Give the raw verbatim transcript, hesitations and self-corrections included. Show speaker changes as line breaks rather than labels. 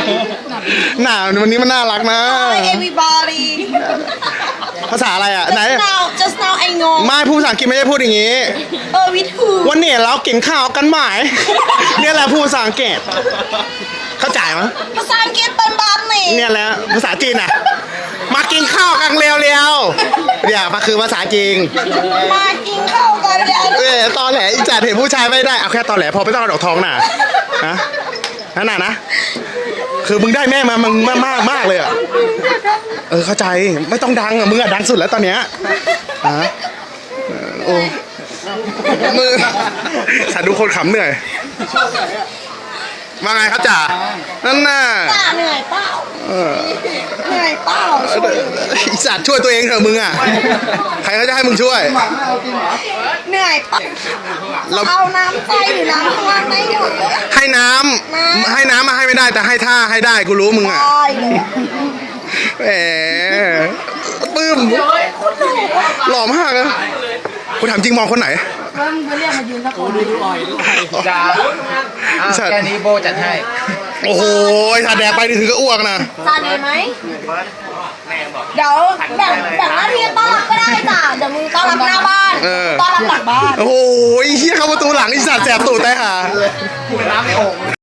หนาวันนี้มันน่ารักนะ
Hi everybody
ภาษาอะไรอ่ะไหน
just now just now ไอ้งง
ไม่พูดภาษาอังกฤษไม่ได้พูดอย่างนี้
เออวิทู
วันนี้เรากินข้าวกันไหมเนี่ยแหละพูดภาษาอังกฤษเข้าใจมั้ย
ภาษาอังกฤษเป็นแบบนี้
เนี่ยแหละภาษาจีนอ่ะมากินข้าวกันเร็วๆเนี่ยมันคือภาษาจีน
มากินข้าวกันแล้ว
เออตอนแหลอีจัดเห็นผู้ชายไม่ได้เอาแค่ตอนแหลพอไม่ต้องเอาดอกทองน่ะนะนั่นน่ะนะคือมึงได้แม่มามึงมากมากมากเลยอ่ะเออเข้าใจไม่ต้องดังอ่ะมึงอ่ะดังสุดแล้วตอนเนี้ยฮะโอ้มือฉันดูคนขำเหนื่อยว่าไงครับจ่านั่นน่ะ
จ่าเหนื่อยเปล่า
เออ
เหนื่อยเปล่า
อีสัตว์ช่วยตัวเองเถอะมึงอ่ะใครเขาจะให้มึงช่วย
เหนื่อยเปล่า
เรา
เอาน้ำใจหรือน้ำข้างล่างได้หมดเลย
ให้น้ำให้น้ำมาให้ไม่ได้แต่ให้ท่าให้ได้กูรู้มึงอ่ะ
ได้เลย
แหมปื้มหล่อมากนะกูถามจริงมองคนไหน
จ้าอ้าวแค่นี้โบจัดให้
โอ้โหถ้าแดกไปนี่ถึงก็อ้วกนะ
จานนี้ไหมเดี๋ยวแบ่งแบ่งหน้าที่ต้อนรับก็ได้จ้ะเดี๋ยวมึงต้อนรับหน้าบ้านต้อนรับหลังบ้าน
โอ้โหเฮียเข้าประตูหลังอีสัตว์แสบตูดแต่ห่า
น้ำในโอ่ง